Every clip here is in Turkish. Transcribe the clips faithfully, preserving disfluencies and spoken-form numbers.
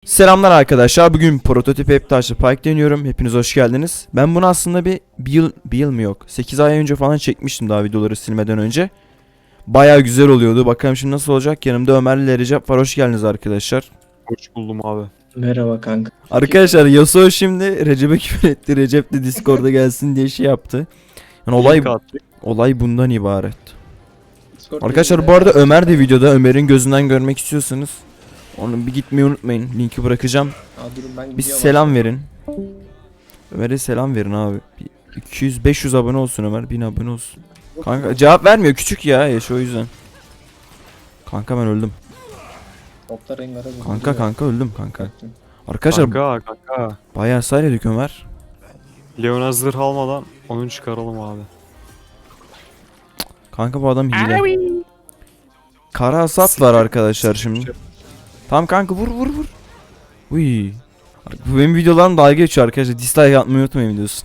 Selamlar arkadaşlar. Bugün prototip Heptaş'la Pike deniyorum. Hepiniz hoş geldiniz. Ben bunu aslında bir, bir yıl, bir yıl mı yok? sekiz ay önce falan çekmiştim daha videoları silmeden önce. Baya güzel oluyordu. Bakalım şimdi nasıl olacak. Yanımda Ömer ile Recep var. Hoş geldiniz arkadaşlar. Hoş buldum abi. Merhaba kanka. Arkadaşlar Yasuo şimdi Recep'e küfür etti. Recep de Discord'a gelsin diye şey yaptı. Yani olay olay bundan ibaret. Discord Arkadaşlar yayında- bu arada Ömer de videoda. Ömer'in gözünden görmek istiyorsanız onu bir gitmeyi unutmayın. Linki bırakacağım. Aa, durun ben Bir gidiyorum. selam verin. Ömer'e selam verin abi. Bir iki yüz beş yüz abone olsun Ömer. bin abone olsun. Kanka cevap vermiyor. Küçük ya yaş o yüzden. Kanka ben öldüm. Toplar Rengar'a vurdu. Kanka kanka öldüm kanka. Baktım. Arkadaşlar Kanka kanka. bayağı hasar yedik Ömer. Leon'a zırh almadan onu çıkaralım abi. Kanka bu adam hile. Kara hasat var arkadaşlar şimdi. Tamam kanka vur vur vur. Uy. Bu benim videolarım dalga geçiyor arkadaşlar. Dislike atmayı unutmayın videosun.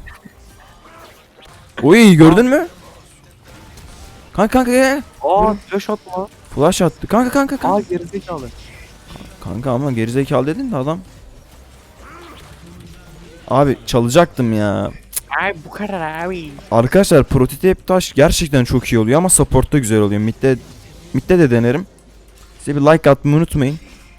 Uy gördün mü? Kanka kanka gel. Aa flash atma. Flash attı. Kanka kanka kanka. Aa gerizekalı. Kanka ama gerizekalı dedin de adam. Abi çalacaktım ya. Abi bu kadar abi. Arkadaşlar prototip taş gerçekten çok iyi oluyor ama support'ta güzel oluyor. Mid'de mid'de de denerim. Size bir like atmayı unutmayın.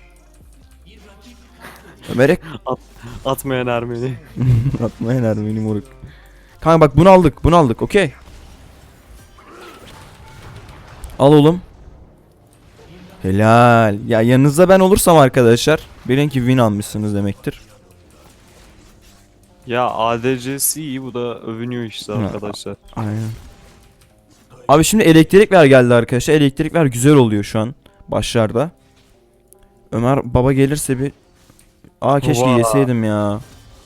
Ömer'e Atmayan Ermeni. atmayın Ermeni moruk. Kanka bak bunu aldık bunu aldık okey. Al oğlum. Helal. Ya yanınızda ben olursam arkadaşlar bilin ki win almışsınız demektir. Ya A D C'si iyi, bu da övünüyor işte Ha. arkadaşlar. Aynen. Abi şimdi elektrik ver geldi arkadaşlar. Elektrik ver güzel oluyor şu an başlarda. Ömer baba gelirse bir Aa keşke Ova. yeseydim ya.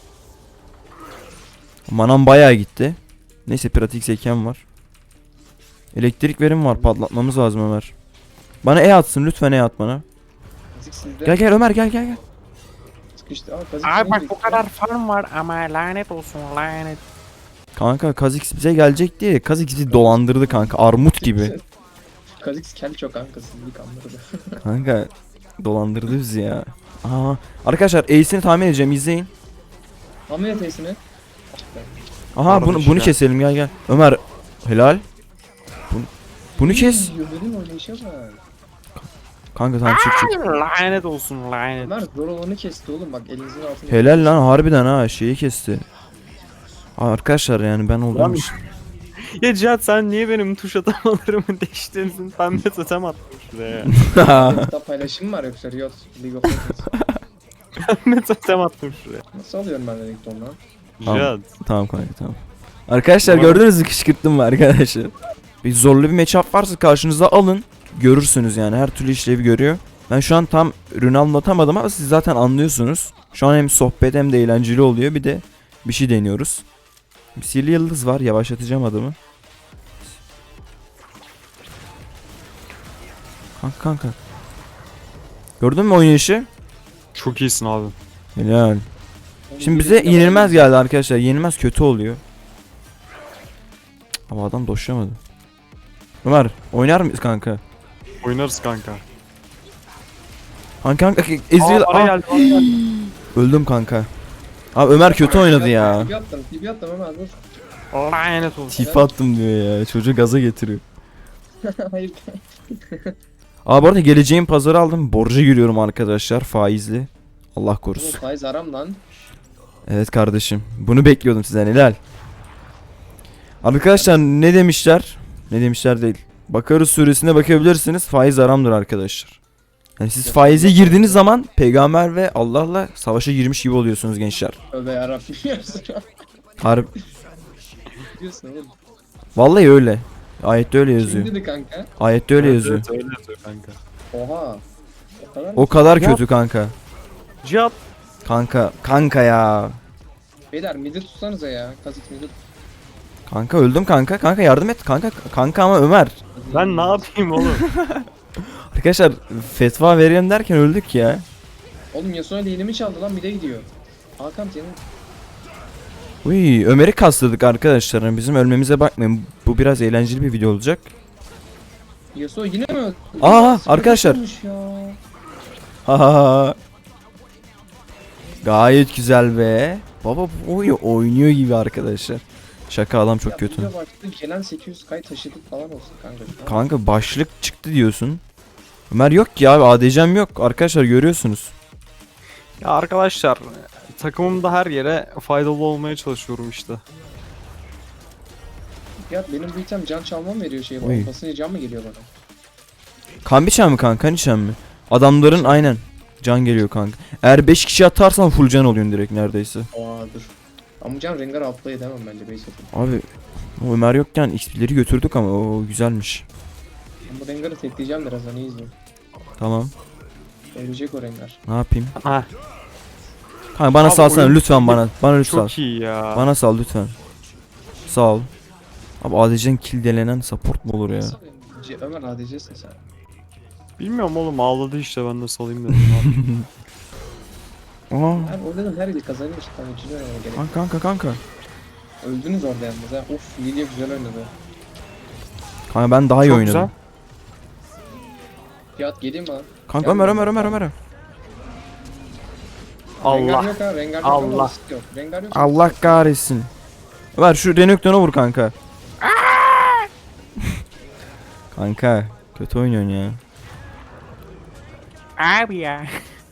Manam bayağı gitti. Neyse pratik zekam var. Elektrik verim var, patlatmamız lazım Ömer. Bana E atsın lütfen, E at bana. Kazik sizde. Gel gel Ömer gel gel gel. Sıkıştı. Aa, Kazik Abi şimdi bak bu gitti. kadar farm var ama lanet olsun lanet. Kanka Kha'Zix bize gelecek diye Kha'Zix bizi dolandırdı kanka, armut gibi. Kazik kel çok kanka sizlik kandırdı. Kanka dolandırdı bizi ya. Aa, arkadaşlar Ace'ini tahmin edeceğim, izleyin. Ameliyat Ace'ini. Aha Pardon, bunu bunu işler. keselim, gel gel. Ömer helal. Bunu, bunu kes. Ömer'in oynayışa bak. Kanka tamam çık çık. Lanet olsun lanet. Ömer zor olanı kesti oğlum bak elinizin altında. Helal lan harbiden ha, şeyi kesti. Aa, arkadaşlar yani ben olduğum Lan- için. Ya Cihat, sen niye benim tuş atamalarımı değiştirdin? Ben de totem attım şuraya. Hatta paylaşım var yoksa Riot League of Legends. Ben de totem attım şuraya. Nasıl alıyorum ben Renekton'dan? Tamam. Cihat. Tamam kanka tamam. Arkadaşlar Tamam. gördünüz mü, kışkırttım mı arkadaşlar? Bir zorlu bir matchup varsa karşınıza alın. Görürsünüz yani, her türlü işlevi görüyor. Ben şu an tam ürünü anlatamadım ama siz zaten anlıyorsunuz. Şu an hem sohbet hem de eğlenceli oluyor, bir de bir şey deniyoruz. Bir sihirli yıldız var, yavaşlatacağım adamı. Kanka kanka. Gördün mü oynayışı? Çok iyisin abi. Helal. Şimdi bize yenilmez geldi arkadaşlar. Yenilmez kötü oluyor. Cık, ama adam doşlamadı. Ömer oynar mıyız kanka? Oynarız kanka. Kanka kanka Ezreal Aa, para Aa, geldi, para geldi. öldüm kanka. Abi Ömer kötü oynadı ya. Tipi attım, tipi attım Ömer dur. Lanet olsun. Tifi attım diyor ya. Çocuğu gaza getiriyor. Hayır. Abi bu arada geleceğin pazarı aldım. Borca giriyorum arkadaşlar, faizli. Allah Oğlum korusun. faiz haram lan. Evet kardeşim. Bunu bekliyordum sizden, helal. Arkadaşlar ne demişler? Ne demişler değil. Bakarız suresine bakabilirsiniz. Faiz haramdır arkadaşlar. Yani siz faize girdiğiniz zaman peygamber ve Allah'la savaşa girmiş gibi oluyorsunuz gençler. Tövbe yarabbim diyorsun. Harbi. Diyorsun oğlum. Vallahi öyle. Ayette öyle yazıyor. Kim dedi kanka? Ayette öyle Evet, yazıyor. evet, öyle yazıyor kanka. Oha. O kadar O kadar Ya- kötü kanka. Cihat. Kanka, kanka ya. Beyler midi tutsanıza ya. Kazik midi tut. Kanka öldüm kanka. Kanka yardım et. Kanka kanka ama Ömer. Ben ne yapayım oğlum? Arkadaşlar fetva verelim derken öldük ya. Oğlum Yasuo lane'imi çaldı lan mide gidiyor. Hakan senin. Uy, Ömer'i kastladık arkadaşlar. Yani bizim ölmemize bakmayın. Bu biraz eğlenceli bir video olacak. Yasuo yine mi öldü? Aa, Sıkıntı arkadaşlar. olmuş ya. Ha ha ha. Gayet güzel be. Baba bu oyunu oynuyor gibi arkadaşlar. Şaka adam çok Ya kötü. video baktı gelen sekiz yüz kay taşıdık falan olsun kanka. şu an. Kanka başlık çıktı diyorsun. Ömer yok ki abi, A D C'm yok. Arkadaşlar görüyorsunuz. Ya arkadaşlar takımımda her yere faydalı olmaya çalışıyorum işte. Ya benim bu item can çalmam veriyor şey. Oy. Basınca can mı geliyor bana? Kan biçen mi kanka? Kan içen mi? Adamların aynen. Can geliyor kanka. Eğer beş kişi atarsan full can oluyorsun direkt neredeyse. Aa dur. Ama can Rengar outplay edemem bence base atayım. Abi o Ömer yokken X P'leri götürdük ama o güzelmiş. Ben bu Rengar'ı tekleyeceğim birazdan iyi izleyin. Tamam. Ölecek o Rengar. Ne yapayım? Ah Kanka bana Abi salsana oyun- lütfen bana. Bana lütfen. çok iyi ya. Bana sal lütfen. Sağ ol. Abi A D C'nin kill delenen support mu olur ya? Nasıl C- Ömer A D C'sin sen. Bilmiyorum oğlum ağladı işte ben de salayım dedim. Aa. Ben o dedim her yeri kazanıyor işte. Tamam üçüncü oynamaya gerek. Kanka kanka kanka. Öldünüz orada yalnız ha. Of Lilia güzel oynadı. Kanka ben daha iyi Çok oynadım. güzel. Fiyat geleyim mi lan? Kanka Gel Ömer lan. Ömer Ömer Ömer. Rengar Allah. yok ha. Rengar yok Allah. ama risk yok. Rengar yok. Allah kahretsin. Ömer şu Renekton'a vur kanka. Kanka kötü oynuyorsun ya. Abi ya.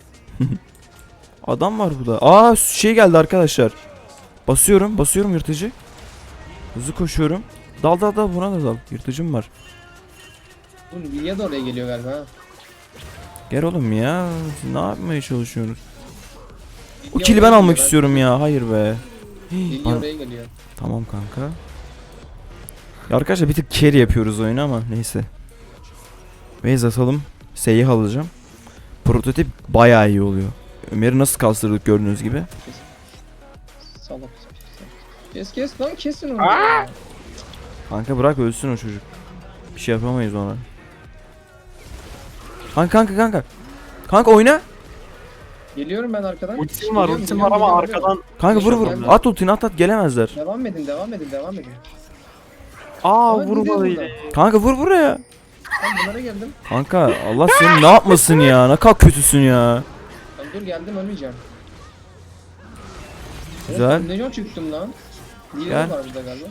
Adam var burada. Aa şey geldi arkadaşlar. Basıyorum basıyorum yırtıcı. Hızlı koşuyorum. Dal dal dal buna da dal. Yırtıcım var. Bu Lilia da oraya geliyor galiba ha. Gel oğlum ya. Siz ne yapmaya çalışıyorsunuz? O Lilia kili oraya ben geliyor, almak istiyorum ya. Hayır be. Lilia Bana- oraya geliyor. Tamam kanka. Ya arkadaşlar bir tık carry yapıyoruz oyunu ama neyse. Base atalım. Seyih alacağım. Prototip bayağı iyi oluyor. Ömer'i nasıl kastırdık gördüğünüz gibi. Salak. Kes kes lan kesin onu. ya. Kanka bırak ölsün o çocuk. Bir şey yapamayız ona. Kanka kanka kanka. Kanka oyna. Geliyorum ben arkadan. Ultim var Geliyorum, ultim geliyorum, var ama geliyorum, arkadan. Kanka vur vur. Geldim. At ultini at at gelemezler. Devam edin devam edin devam edin. Aa Ama gidiyor vurmalıydı. buradan. Kanka vur buraya. Ben bunlara geldim. Kanka Allah seni ne yapmasın ya. Ne kadar kötüsün ya. Lan dur geldim ölmeyeceğim. Güzel. Oğlum, Ne can çıktım lan? Gel. Lilia var burada galiba.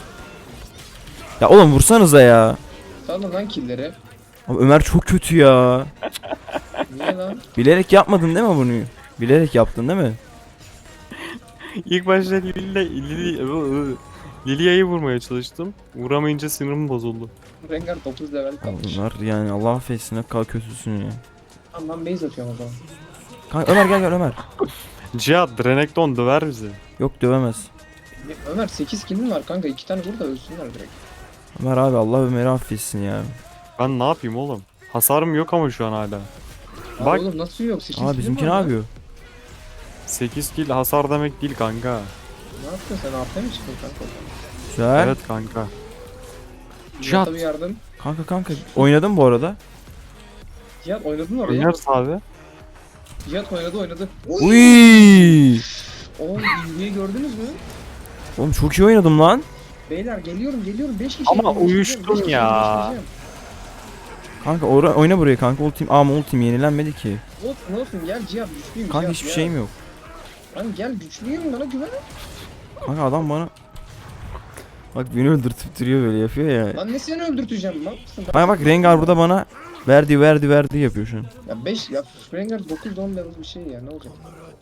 Ya oğlum vursanıza ya. Salın lan killleri. Abi Ömer çok kötü ya. Niye lan? Bilerek yapmadın değil mi bunu? Bilerek yaptın değil mi? İlk başta Lili, Lili, Lilia'yı vurmaya çalıştım. Vuramayınca sinirim bozuldu. Rengar dokuz level Ya kalmış. Ömer yani Allah affetsin ne kadar kötüsün ya. Tamam ben base atıyorum o zaman. Kanka Ömer gel gel Ömer. Cihat Renekton döver bizi. Yok dövemez. Ya Ömer sekiz kill'in var kanka iki tane vur da ölsünler direkt. Ömer abi Allah Ömer'i affetsin ya. Ben ne yapayım oğlum? Hasarım yok ama şu an hala. Aa, Bak. oğlum nasıl yok sekiz Aa kill'in bizimki ne var lan. yapıyor? sekiz kill hasar demek değil kanka. Ne yaptın sen A P mi çıktın kanka? Güzel. Evet kanka. Cihat. Cihat. bir yardım. Kanka kanka oynadın bu arada. Cihat oynadın oraya. Oynarız abi. Cihat oynadı oynadı. Uy! Oğlum ilgiyi gördünüz mü? Oğlum çok iyi oynadım lan. Beyler geliyorum geliyorum beş kişi. Ama birleştireceğim, uyuştun beş kişi ya. birleştireceğim. Kanka ora- oyna buraya kanka ultim. Ama ultim yenilenmedi ki. Olsun olsun gel Cihat güçlüyüm Kanka Cihat, hiçbir gel. şeyim yok. Lan gel güçlüyüm bana güven. Kanka adam bana bak beni öldürtüp duruyor böyle yapıyor ya. Lan ne seni öldürteceğim lan? Kanka bak Rengar burada bana verdi verdi verdi yapıyor şu an. Ya beş ya Rengar dokuz on level bir şey ya ne olacak?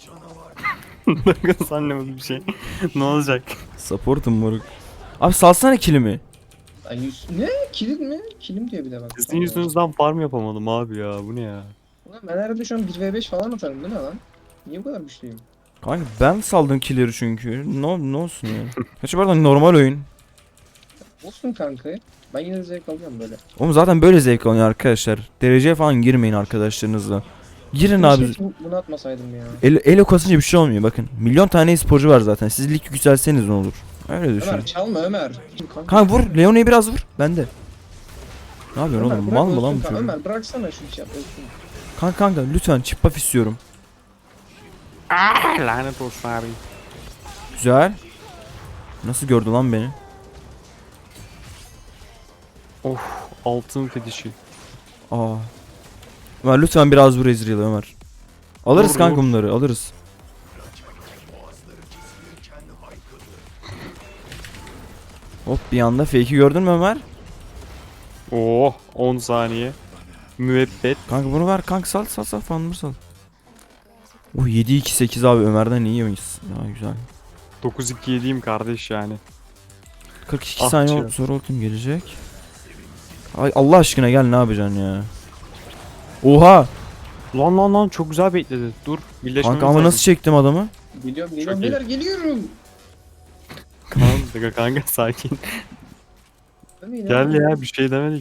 Sen ne bir şey. Ne olacak? Support'um moruk. Abi salsana kilimi. Lan yüz... Ne? Kilim mi? Kilim diyor bir de bak. Sizin yüzünüzden farm yapamadım abi ya. Bu ne ya? Ulan ben herhalde şu an bir ve beş falan atarım değil mi lan? Niye bu kadar güçlüyüm? Kanka ben saldım killeri çünkü. Ne, ne olsun ya. Kaçı pardon normal oyun. Olsun kanka. Ben yine de zevk alıyorum böyle. Oğlum zaten böyle zevk alıyor arkadaşlar. Dereceye falan girmeyin arkadaşlarınızla. Girin Bir abi. şey bu- bunu atmasaydım ya. El, elo kasınca bir şey olmuyor bakın. Milyon tane sporcu var zaten. Siz lig yükselseniz ne olur? Öyle düşünün. Ömer çalma Ömer. Kanka, Kanka vur. Leone'yi biraz vur. Bende. Ne yapıyorsun Ömer, oğlum? bırak Mal mı lan ölsün bu kanka. çocuk? Ömer bıraksana şu şey yap ölsün. Kanka kanka lütfen chip buff istiyorum. Ah, lanet olsun abi. Güzel. Nasıl gördü lan beni? Of altın fetişi. Aa. Ömer lütfen biraz vur Ezreal'ı Ömer. Alırız Vur, kanka vur. bunları alırız. Hop bir anda fake'i gördün mü Ömer? Oh on saniye. Müebbet. Kanka bunu ver kanka sal sal sal fanımı sal. Oh yedi iki sekiz abi Ömer'den iyi oyuncusun. Ya güzel. dokuz iki yediyim kardeş yani. kırk iki Ah saniye canım. sonra ultim gelecek. Ay Allah aşkına gel ne yapacaksın ya? Oha! Lan lan lan çok güzel bekledi. Dur. Birleşmemiz Kanka ama lazım. nasıl çektim adamı? Geliyorum geliyorum iyi. beyler geliyorum. Kanka kanka sakin. Gel ya bir şey demedik.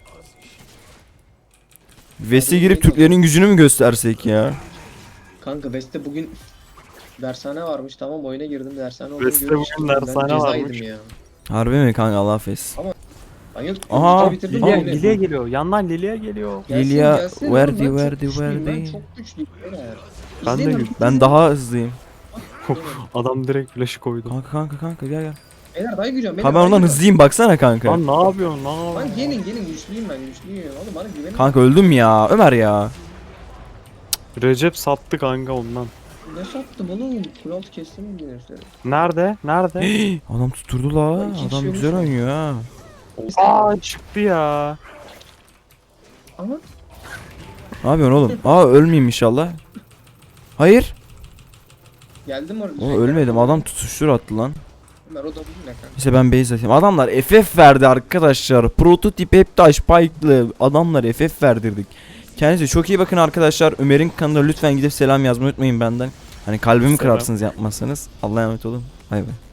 Vest'e girip Türklerin gücünü mü göstersek ya? Kanka West'te bugün dershane varmış, tamam oyuna girdim, dershane olduğunu West'te görmüştüm. bugün Ben dershane ceza varmış. yedim ya. Harbi mi kanka Allah affetsin. Hayır, Aha, üçü bitirdim Lilia, oyunu. Lilia geliyor. Yandan Lilia geliyor. Gelsin, Lilia, gelsin oğlum, verdi, ben çok verdi, güçlüyüm, verdi. Ben çok güçlüyüm beyler. Ben de İzleyin güçlüyüm. abi, Ben izleyin. daha hızlıyım. Adam direkt flash'ı koydu. Kanka kanka kanka gel gel. Beyler daha gücüm. Ha ben ondan hızlıyım baksana kanka. Lan ne yapıyorsun? Ne Lan yapıyorsun? gelin gelin, güçlüyüm ben, güçlüyüm. Oğlum bana güvenin. Kanka öldüm ya Ömer ya. Recep sattı kanka ondan. Ne sattım oğlum? Kulaaltı kestim mi yine işte? Nerede? Nerede? Adam tutturdu la. Lan iki kişi Adam olmuş güzel mu? oynuyor ha. Aa çıktı ya. Ama Ne yapıyorsun oğlum? Aa ölmeyeyim inşallah. Hayır. geldim orada. O ölmedim. Adam tutuştur attı lan. Ömer o da bu ne kanka? İşte ben base atayım. Adamlar F F verdi arkadaşlar. Prototip hep taş spike'lı. Adamlar F F verdirdik. Kendinize çok iyi bakın arkadaşlar. Ömer'in kanalına lütfen gidip selam yazmayı unutmayın benden. Hani kalbimi Selam. kırarsınız yapmazsanız. Allah'a emanet olun. Bay bay.